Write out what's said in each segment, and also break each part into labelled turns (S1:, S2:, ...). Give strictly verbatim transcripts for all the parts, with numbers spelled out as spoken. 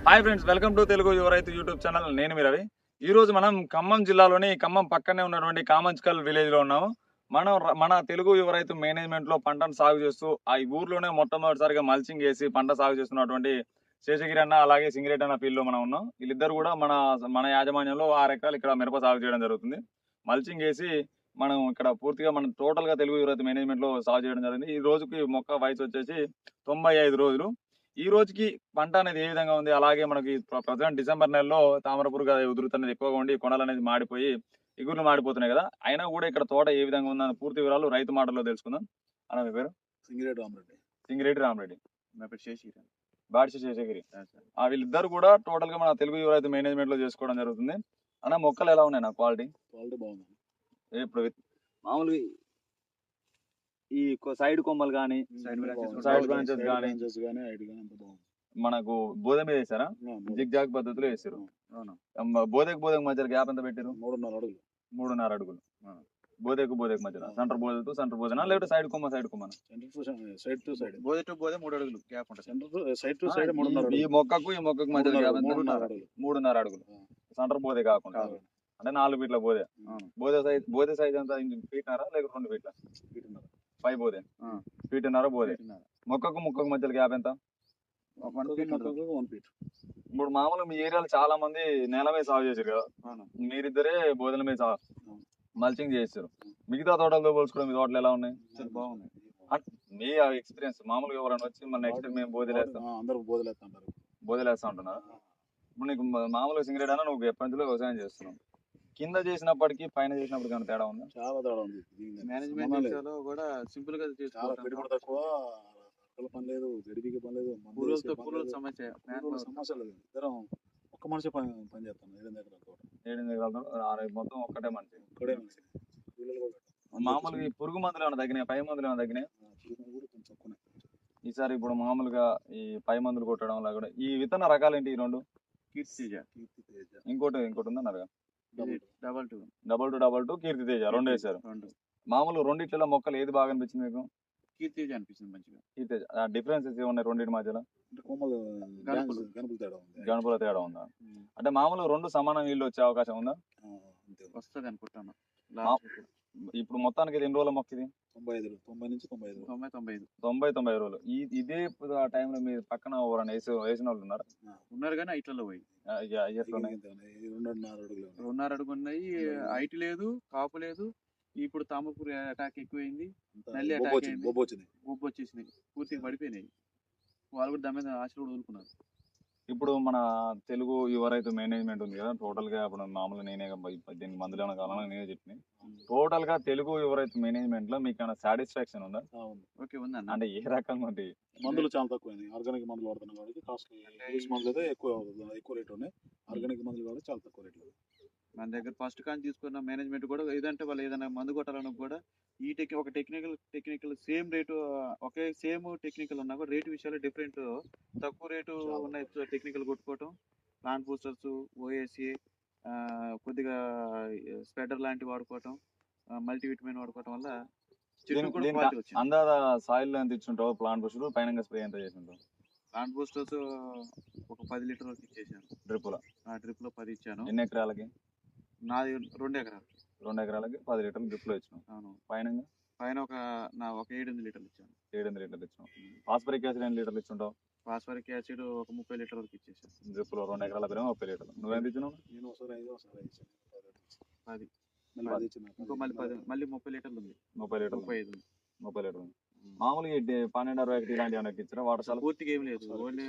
S1: Hi friends, welcome to Telugu Yuva Raitu YouTube channel. నేను మీ రవి. ఈ రోజు మనం ఖమ్మం జిల్లాలోని ఖమ్మం పక్కనే ఉన్నటువంటి కామంచికల్ విలేజ్ లో ఉన్నాము. మనం ర- మన తెలుగు యువ రైతు మేనేజ్మెంట్ లో పంటను సాగు చేస్తూ ఆ ఈ ఊర్లోనే మొట్టమొదటిసారిగా మల్చింగ్ వేసి పంట సాగు చేస్తున్నటువంటి శేషగిరి అన్న అలాగే సింగిరెడ్డి అన్న ఫీల్డ్ లో మనం ఉన్నాం. వీళ్ళిద్దరు కూడా మన మన యాజమాన్యంలో ఆరు ఎకరాలు ఇక్కడ మిరప సాగు చేయడం జరుగుతుంది. మల్చింగ్ వేసి మనం ఇక్కడ పూర్తిగా మనం టోటల్ గా తెలుగు యువ రైతు మేనేజ్మెంట్ లో సాగు చేయడం జరిగింది. ఈ రోజుకి మొక్క వయసు వచ్చేసి తొంభై ఐదు రోజులు. ఈ రోజుకి పంట అనేది ఏ విధంగా ఉంది, అలాగే మనకి ప్రజెంట్ డిసెంబర్ నెలలో తామర పురుగు ఉధృతి అనేది ఎక్కువగా ఉండి కొనలు అనేది మాడిపోయి ఇగుర్లు మాడిపోతున్నాయి కదా, అయినా కూడా ఇక్కడ తోట ఏ విధంగా ఉందని పూర్తి వివరాలు రైతు మాటల్లో తెలుసుకుందాం. అన్న మీ పేరు?
S2: సింగిరెడ్డి రామరెడ్డి.
S1: సింగిరెడ్డి రామరెడ్డి.
S2: నా పేరు శేషగిరి.
S1: బాడిసి శేషగిరి. ఆ వీళ్ళిద్దరు కూడా టోటల్ గా మన తెలుగు యువ రైతు మేనేజ్మెంట్ లో చేసుకోవడం జరుగుతుంది. అన్న మొక్కలు ఎలా ఉన్నాయి? నా క్వాలిటీ
S2: క్వాలిటీ బాగుంది.
S1: ఇప్పుడు మామూలుగా ఈ సైడ్ కొమ్మలు కానీ
S2: సైడ్
S1: సైడ్ బ్రాంచెస్ కానీ
S2: బ్రాంచెస్ కానీ హైట్ కానీ అంత బాగుంది.
S1: మనకు బోధ మీద వేసారా? జిగ్ జాగ్ పద్ధతిలో వేసారు. బోధకు బోధకు మధ్యలో గ్యాప్ ఎంత పెట్టారు?
S2: మూడున్నర అడుగులు.
S1: మూడున్నర అడుగులు. బోధకు బోధకు మధ్యలో సెంటర్ బోధతో సెంటర్ బోధన, లేకపోతే సైడ్ కొమ్మ సైడ్ కొమ్మ?
S2: Side to side.
S3: బోధ టు బోధ మూడు అడుగులు గ్యాప్ ఉంటుంది.
S2: సెంటర్ సైడ్ టు సైడ్ మూడున్నర
S1: ఈ మొక్కకు ఈ మొక్కకు మధ్యలో గ్యాప్ ఎంత?
S2: మూడున్నర అడుగులు.
S1: మూడున్నర అడుగులు. సెంటర్ బోధే కాకుండా అంటే నాలుగు ఫీట్ల బోధే. బోధ సైజ్ బోధ సైజ్ అంతా ఫీట్నారా లేక రెండు ఫీట్ల? పై బోధే ఫీట్న్నర బోధే. మొక్కకు మొక్కకు మధ్యలో గ్యాప్ ఎంత?
S2: One feet.
S1: ఇప్పుడు మామూలుగా మీ ఏరియాలో చాలా మంది నేల మీద సాగు చేశారు కదా, మీరిద్దరే బోధల మీద సాగు మల్చింగ్ చేస్తారు. మిగతా తోటలతో పోల్చుకోవడం మీ తోటలు ఎలా ఉన్నాయి?
S2: బాగున్నాయి.
S1: మీ ఎక్స్పీరియన్స్ మామూలుగా ఎవరైనా వచ్చి మన నెక్స్ట్ మేము బోధలేస్తాం
S2: అందరూ బోధలేస్తుంటారు.
S1: బోధలేస్తా ఉంటున్నారు. ఇప్పుడు నీకు మామూలుగా సింగరేట్ అన్న నువ్వు ఎప్పటి నుంచో వ్యవసాయం చేస్తున్నావు, కింద చేసినప్పటికీ పైన చేసినప్పటికీ ఏమైనా తేడా ఉందా?
S2: చాలా తేడా ఉంది.
S3: మేనేజ్మెంట్ కూడా సింపుల్ గా
S2: చాలా పెట్టుబడి తక్కువ, అసలు పని లేదు, గడిపికి పని లేదు,
S3: పూలతో పూల సమస్య
S2: సమస్య లేదు. ఇద్దరం ఒక్క మనిషి పని పని చేస్తాను. ఏడు ఎకరాల తోట.
S1: ఏడు ఎకరాలు మొత్తం ఒక్కటే మనిషి.
S2: ఒక్కడే మనిషి. పిల్లలు కూడా
S1: మామూలుగా ఈ పురుగు మందులు ఏమైనా తగ్గినాయి? పై మందులు ఏమైనా తగ్గినాయి?
S2: పురుగు కూడా కొంచెం తక్కువనే.
S1: ఈసారి ఇప్పుడు మామూలుగా ఈ పై మందులు కొట్టడం వల్ల కూడా ఈ విత్తన రకాలు ఏంటి? ఈ రెండు
S3: కీర్తి తేజ,
S2: కీర్తి తేజ,
S1: ఇంకోటి ఇంకోటి ఉందన్నారు
S3: double two
S1: double two double two Keerthi Teja రెండు వేసారు.
S3: రెండు
S1: మామూలు రెండిట్లలో మొక్కలు ఏది బాగా అనిపించింది మీకు?
S3: కీర్తి తేజ అనిపిస్తుంది మంచిగా.
S1: కీర్తి తేజ. డిఫరెన్సెస్ ఏమున్నాయి రెండింటి మధ్యలో?
S2: అంటే కొమ్మలు
S3: గణపులు.
S2: గణపులు తేడా ఉంది.
S1: గణపుల తేడా ఉందా? అంటే మామూలు రెండు సమాన నీళ్ళు వచ్చే అవకాశం ఉందా?
S2: ఆ, అంతే.
S3: వస్తుంది అనుకుంటాను.
S1: ఇప్పుడు మొత్తానికి ఇది ఎన్ని రోజుల మొక్క? ఇది
S2: తొంభై ఐదు తొంభై నుంచి తొంభై ఐదు
S3: తొంభై తొంభై ఐదు
S1: తొంభై తొంభై ఐదు రోజులు. ఈ ఇదే ఆ టైంలో మీరు పక్కన ఎవరైనా వేసి వేసిన వాళ్ళు ఉన్నారు?
S3: ఉన్నారు కానీ ఐట్లలో పోయి
S1: ఎట్లున్నాయి?
S2: రెండున్నర అడుగులు.
S3: రెండున్నర అడుగు ఉన్నాయి. ఐటీ లేదు, కాపు లేదు. ఇప్పుడు తామరపూర్ అటాక్ ఎక్కువైంది, నల్లి అటాక్ అయింది,
S2: బొబ్బు వచ్చింది,
S3: ఉబ్బు వచ్చేసినాయి, పూర్తిగా పడిపోయినాయి. వాళ్ళు కూడా దాని మీద ఆశలు కూడా వదులుకున్నారు.
S1: ఇప్పుడు మన తెలుగు యువ రైతు మేనేజ్మెంట్ ఉంది కదా, టోటల్ గా ఇప్పుడు మామూలుగా నేనే పద్దెనిమిది మందులు ఏమైనా కావాలని నేనే చెప్పినాయి. టోటల్ గా తెలుగు యువ రైతు మేనేజ్మెంట్ లో మీకు ఏమైనా సాటిస్ఫాక్షన్ ఉందా?
S3: ఓకే ఉందన్న.
S1: అంటే ఏ రకంగా ఉంది?
S2: మందులు చాలా తక్కువ, ఆర్గానిక్ మందులు వాడుతున్నాం కాబట్టి కాస్ట్ ఇంగ్లీష్ మందులు అయితే ఎక్కువ ఎక్కువ రేట్ ఉన్నాయి. ఆర్గానిక్ మందులు కాబట్టి చాలా తక్కువ రేట్లు.
S3: మన దగ్గర ఫస్ట్ కానీ తీసుకున్న మేనేజ్మెంట్ కూడా ఏదంటే వాళ్ళు ఏదైనా మందు కొట్టాలన్నా కూడా ఈ టెక్ ఒక టెక్నికల్ టెక్నికల్ సేమ్ రేటు ఒకే సేమ్ టెక్నికల్ ఉన్నా కూడా రేటు విషయాలు డిఫరెంట్, తక్కువ రేటు ఉన్న టెక్నికల్ కొట్టుకోవటం, ప్లాంట్ బూస్టర్స్, ఓఎస్సి, కొద్దిగా స్ప్రెడర్ లాంటివి వాడుకోవటం, మల్టీవిటమిన్ వాడుకోవటం వల్ల చెట్టు కూడా క్వాలిటీ వచ్చింది.
S1: అందాద సాయిల్ ఎంత ఇచ్చుంటావు? ప్లాంట్ బూస్టర్ పైన స్ప్రే ఎంత చేసింటావు?
S3: ప్లాంట్ బూస్టర్స్ ఒక పది లీటర్ వరకు ఇచ్చేసాను.
S1: డ్రిప్ లో
S3: ఆ డ్రిప్ లో పది ఇచ్చాను.
S1: ఎన్ని ఎకరాలకి?
S3: నాది రెండు ఎకరాలు.
S1: రెండు ఎకరాలకి పది లీటర్లు డ్రిప్ లో ఇచ్చినాం.
S3: అవును.
S1: పైన
S3: పైన ఒక నా ఒక ఏడెనిమిది లీటర్లు ఇచ్చాను.
S1: ఏడెనిమిది లీటర్లు ఇచ్చినాం. ఫాస్ఫరిక్ యాసిడ్ ఎన్ని లీటర్లు ఇచ్చుంటావు?
S3: ఫాస్ఫరిక్ యాసిడ్ ఒక ముప్పై లీటర్ వరకు ఇచ్చేసాను.
S1: డ్రిప్ లో రెండు ఎకరాల పేరు ముప్పై లీటర్లు. నువ్వెంత ఇచ్చినావు?
S2: నేను ఒకసారి ఐదు ఒకసారి ఐదు
S3: పది
S2: మళ్ళీ ఇచ్చిన
S3: ఇంకో మళ్ళీ పది మళ్ళీ ముప్పై లీటర్లు ఉంది.
S1: ముప్పై లీటర్లు
S3: ముప్పై ఐదు
S1: ముప్పై లీటర్లు మామూలుగా పన్నెండు అరవై ఒకటి ఇలాంటి ఏమైనా ఇచ్చారా? వాటర్
S3: పూర్తిగా ఏం లేదు. ఓన్లీ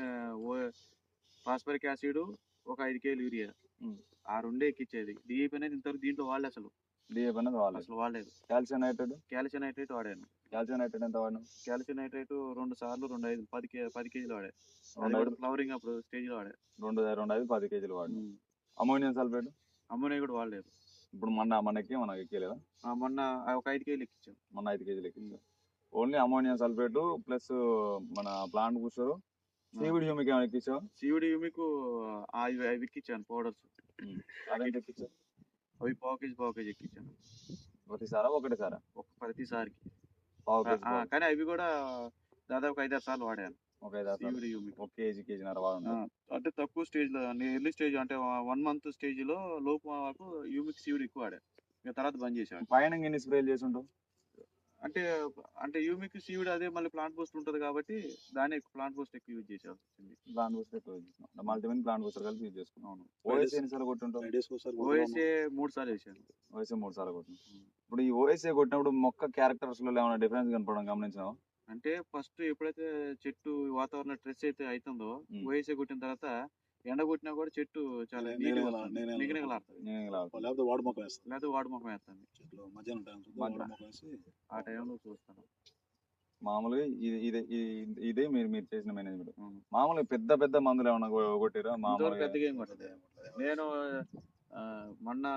S3: ఫాస్ఫరిక్ యాసిడ్ ఒక ఐదు కేజీలు యూరియా, ఆ రెండే ఎక్కిచ్చేది. డిఏపి అనేది ఇంతవరకు దీంట్లో వాడలే, అసలు
S1: డిఏపి అనేది వాడలేదు.
S3: అసలు వాడలేదు.
S1: కాల్షియం నైట్రేట్
S3: కాల్షియం నైట్రేట్ వాడాను.
S1: కాల్షియం నైట్రేట్ ఎంత వాడినా?
S3: కాల్షియం నైట్రేట్ రెండు సార్లు రెండు ఐదు పది కే పది కేజీలు వాడాను. ఫ్లవరింగ్ అప్పుడు స్టేజ్ లో వాడాను.
S1: రెండు రెండు ఐదు పది కేజీలు వాడినా. అమోనియం సల్ఫేట్
S3: అమ్మోనియా కూడా వాడలేదు.
S1: ఇప్పుడు మొన్న మనకి మనకి ఎక్కేలేదా?
S3: మొన్న ఒక ఐదు కేజీలు ఎక్కించాం.
S1: మొన్న ఐదు కేజీలు ఎక్కించాం. ఓన్లీ అమోనియం సల్ఫేట్ ప్లస్ మన ప్లాంట్ బూస్టర్, సీవిడ్ హ్యూమిక్ ఏమైనా ఎక్కించావు?
S3: సీవిడ్ హ్యూమిక్ అవి అవి ఎక్కించాను పౌడర్స్.
S1: అదేంటి ఎక్కించావు?
S3: అవి పావు కేజీ పావు కేజీ ఎక్కించాను.
S1: ప్రతిసారా ఒకటిసారా?
S3: ఒక ప్రతిసారికి.
S1: పావు కేజీ.
S3: కానీ అవి కూడా దాదాపు ఐదారు సార్లు వాడాను.
S1: ఒక ఐదు ఆరు సార్లు
S3: సీవిడి యూమిక్
S1: ఒక కేజీ కేజీన్నర వాడండి.
S3: అంటే తక్కువ స్టేజ్ లో ఎర్లీ స్టేజ్ అంటే వన్ మంత్ స్టేజ్ లో లోపు వరకు యూమిక్ సీవిడి ఎక్కువ వాడా. ఇక తర్వాత బంద్ చేశాడు.
S1: పైన ఎన్ని స్ప్రేలు చేసి ఉంటావు?
S3: అంటే అంటే యూమిక్ సీవిడి అదే మళ్ళీ ప్లాంట్ బూస్ట్ ఉంటుంది కాబట్టి దాన్ని ప్లాంట్ బూస్ట్ ఎక్కువ యూజ్ చేసేవాల్సి వచ్చింది.
S1: ప్లాంట్ బూస్టర్ ఎక్కువ యూజ్ చేస్తున్నాం. మల్టీమిన్ ప్లాంట్ బూస్టర్ కలిపి యూజ్ చేసుకున్నాం.
S3: అవును.
S1: ఓఎస్ఏ ఎన్నిసార్లు కొట్టుంటావు?
S2: ఫైవ్ డేస్కి ఒకసారి
S3: ఓఎస్ఏ మూడు సార్లు వేసాను.
S1: ఓఎస్ఏ మూడు సార్లు కొట్టినాం. ఇప్పుడు ఈ ఓఎస్ఏ కొట్టినప్పుడు మొక్క క్యారెక్టర్స్ లో ఏమైనా డిఫరెన్స్ కనపడడం గమనించావా?
S3: అంటే ఫస్ట్ ఎప్పుడైతే చెట్టు వాతావరణ స్ట్రెస్ అయితే అవుతుందో
S1: ఉమ్.
S3: ఓఎస్ఏ కొట్టిన తర్వాత ఎండ కొట్టినా కూడా చెట్టు చాలా
S2: నేనే-
S3: నీట్గా
S2: నేనే-
S3: వస్తుంది.
S2: నేనే-
S3: నిగనిగలాడుతుంది.
S1: నేను ఇలా అవుతుంది.
S2: లేకపోతే వాడు మొక్క వేస్తాను
S3: లేదా వాడు ముఖం వేస్తుంది.
S2: చెట్లు మధ్యాహ్నం టైం చూస్తే
S1: మధ్య-
S2: వాడు మొక్క వేసి
S3: ఆ టైంలో చూస్తాను.
S1: మామూలుగా ఇది ఇదే ఈ- ఇదే మీరు మీరు చేసిన మేనేజ్మెంట్.
S3: అవును.
S1: మామూలుగా పెద్ద పెద్ద మందులు ఏమైనా కొ- కొట్టిరా?
S3: ఇంతవరకు
S1: మామూలుగా
S3: పెద్దగా ఏం కొట్టలేదు. నేను ఆ, మొన్న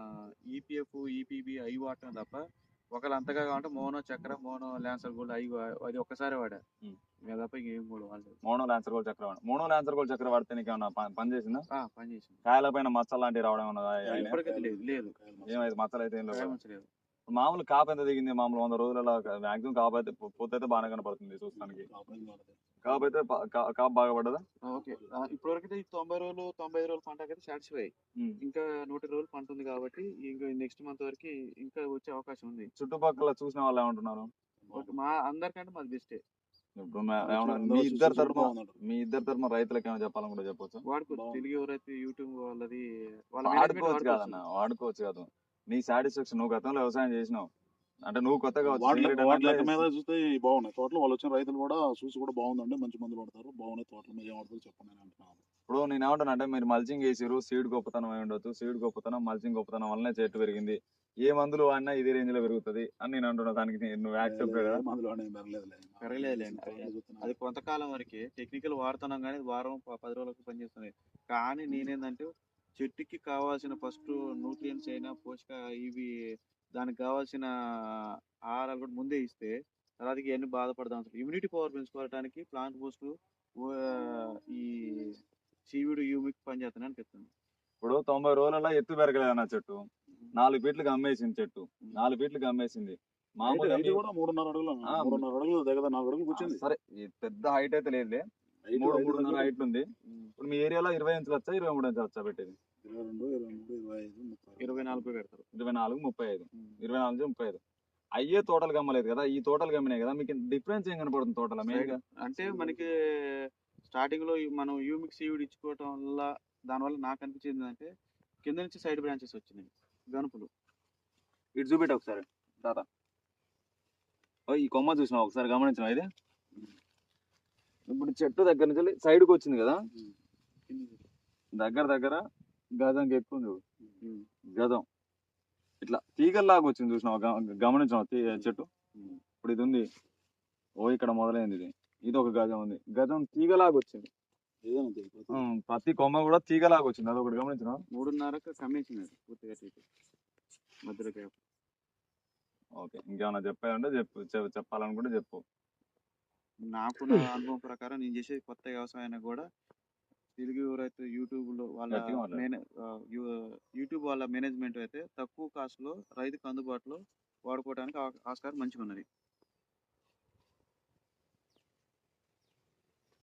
S3: ఈపీఎఫ్ ఈపీబీ అవి వాడటం తప్ప ఒకళ్ళు అంతగా కావాలంటే మోనో చక్ర మోనో ల్యాన్సర్ గోల్డ్ అవి వా- అది ఒక్కసారి వాడా.
S1: ఉమ్.
S3: ఇక తప్ప ఇంకేం కూడా వాడలేదు.
S1: మోనో ల్యాన్సర్ గోల్డ్ చక్ర వాడు. మోనో ల్యాన్సర్ గోల్డ్ చక్ర వాడితే నీకు ఏమన్నా ప- పని చేసిందా?
S3: ఆ, పని చేసింది.
S1: కాయల పైన మచ్చలు లాంటివి రావడం ఏమన్నా?
S3: ఇప్పటికైతే లేదు లేదు
S1: ఏమైతే మచ్చలు అయితే ఏం లేవు కదా?
S3: ఏమంచలేదు.
S1: మామూలు కాపు ఎంత దిగింది? మామూలు వంద రోజులలో మాక్సిమం కాపు అయితే పొ- పొత్తు అయితే బాగానే కనపడుతుంది చూస్తానికి. కాపు అయితే ప- కా- కాపు బాగా పడ్డదా?
S3: ఓకే ఇప్పటివరకు అయితే ఈ తొంభై రోజులు తొంభై ఐదు రోజుల పంటకి అయితే సాటిస్ఫై.
S1: ఉమ్.
S3: ఇంకా నూట ఇరవై రోజులు పంట ఉంది కాబట్టి ఇంకా నెక్స్ట్ మంత్ వరకు ఇంకా వచ్చే అవకాశం ఉంది.
S1: చుట్టుపక్కల చూసిన వాళ్ళు ఏమంటున్నారు?
S3: ఓకే, మా అందరికంటే మాది బెస్టే.
S1: ఇప్పుడు మే- ఏమన్నా మీ ఇద్దరు తరఫున మీ ఇద్దరు తరఫున రైతులకు ఏమైనా చెప్పాలని కూడా చెప్పొచ్చు.
S3: వాడుకోవచ్చు.
S2: బాగుంది.
S3: తెలుగు ఎవరైతే యూట్యూబ్ వాళ్ళది వాళ్ళ management
S1: వాడుకోవచ్చు కాదన్న, వాడుకోవచ్చు కాదు. నీ సాటిస్ఫాక్షన్, నువ్వు గతంలో వ్యవసాయం చేసినావు అంటే నువ్వు కొత్తగా వచ్చి
S2: వాటి
S1: secret
S2: వాటి లెక్క
S1: అంటే
S2: మీద చూస్తే ఇవి బాగున్నాయి తోటలు. వాళ్ళు వచ్చిన రైతులు కూడా చూసి కూడా బాగుందండి, మంచి మందులు పడతారు, బాగున్నాయి తోటల మీద ఏం పడతారు చెప్పండి అని అంటున్నాను.
S1: ఇప్పుడు నేను ఏమంటాను అంటే మీరు మల్చింగ్ వేసిరు, సీడ్ గొప్పతనం అయి ఉండొచ్చు. సీడ్ గొప్పతనం మల్చింగ్ గొప్పతనం వల్లనే చెట్టు పెరిగింది. ఏ మందులు వాడినా ఇదే రేంజ్ లో పెరుగుతుంది అని నేను అంటున్నా. దానికి నీ- నువ్వు యాక్సెప్ట్ కదా?
S2: మందులు అనేవి పెరగలేదులే.
S3: పెరగలేదులేండి.
S2: తోటలు చూస్తున్నా.
S3: అది కొంతకాలం వరకే టెక్నికల్ వాడుతున్నాం కానీ వారం ప- పది రోజులకు పనిచేస్తుంది. కానీ నేనేందంటే చెట్టుకి కావాల్సిన ఫస్ట్ న్యూట్రియన్స్ అయినా పోషక ఇవి దానికి కావాల్సిన ఆహారాలు కూడా ముందే ఇస్తే తర్వాత ఇవన్నీ బాధపడదాం. అసలు ఇమ్యూనిటీ పవర్ పెంచుకోవడానికి ప్లాంట్ బూస్ట్ ఈ సీవిడ్ యూమిక్ పనిచేస్తాను అనిపిస్తుంది.
S1: ఇప్పుడు తొంభై రోజులలో ఎత్తు పెరగలేదు అన్న చెట్టు. నాలుగు ఫీట్లకు అమ్మేసింది చెట్టు. నాలుగు ఫీట్లకు అమ్మేసింది. మామూలుగా
S2: హైట్ కూడా మూడున్నర అడుగులు
S1: ఆ,
S2: మూడున్నర అడుగులు దగ్గర నాలుగు అడుగులు
S1: మీ-
S2: కూర్చుంది.
S1: సరే ఈ పెద్ద హైట్ అయితే లేదులే.
S2: హైట్
S1: మూడు
S2: ఐదు
S1: మూడున్నర
S2: అడుగులు.
S1: హైట్ ఉంది. ఇప్పుడు మీ ఏరియాలో ఇరవై ఇంచులు వచ్చా ఇరవై మూడు ఇంచులు వచ్చా పెట్టేది?
S2: ఇరవై రెండు ఇరవై మూడు ఇరవై ఐదు ముప్పై
S3: ఇరవై నాలుగు పెడతారు.
S1: ఇరవై నాలుగు ముప్పై ఐదు ఇరవై నాలుగు ముప్పై ఐదు అయ్యే తోటలు గమ్మలేదు కదా, ఈ తోటలు గమ్మినాయి కదా. మీకు డిఫరెన్స్ ఏం కనపడుతుంది తోటల మెయిన్ గా?
S3: అంటే మనకి స్టార్టింగ్ లో ఈ మనం యూమిక్ సీవిడ్ ఇచ్చుకోవటం వల్ల దానివల్ల నాకు అనిపించింది అంటే కింద నుంచి సైడ్ బ్రాంచెస్ వచ్చినాయి గనుపులు.
S1: ఇటు చూపెట్ట ఒకసారి తాత. ఓ, ఈ కొమ్మ చూసినా ఒకసారి గమనించిన ఇది. ఇప్పుడు చెట్టు దగ్గర నుంచి సైడ్కి వచ్చింది కదా, దగ్గర దగ్గర గజంకి ఎక్కువ ఉంది చూడు. గజం ఇట్లా తీగల్లాగా వచ్చింది చూసినావు, గమనించినావు చెట్టు. ఇప్పుడు ఇది ఉంది, ఓ ఇక్కడ మొదలైంది ఇది. ఇది ఒక గజం ఉంది, గజం తీగలాగా వచ్చింది.
S2: ఏదైనా అంతే. ప్రతి-
S1: ఉమ్, ప్రతి కొమ్మ కూడా తీగలాగా వచ్చింది. అది ఒకటి గమనించినావు.
S3: మూడున్నరకు కమ్మేసినాడు పూర్తిగా తీసి మధ్యలో gap.
S1: ఓకే, ఇంకేమైనా చెప్పాలంటే చెప్పు, చెప్- చెప్పాలనుకుంటే చెప్పు.
S3: నాకున్న అనుభవం ప్రకారం నేను చేసే కొత్త వ్యవసాయాన్ని కూడా తెలుగు ఎవరైతే యూట్యూబ్ లో వాళ్ళ
S1: గట్టిగా మాట్లాడు.
S3: మేనే ఆ, యూ- యూట్యూబ్ వాళ్ళ మేనేజ్మెంట్ అయితే తక్కువ కాస్ట్ లో రైతుకు అందుబాటులో వాడుకోవడానికి ఆ- ఆస్కారం మంచిగా ఉన్నది.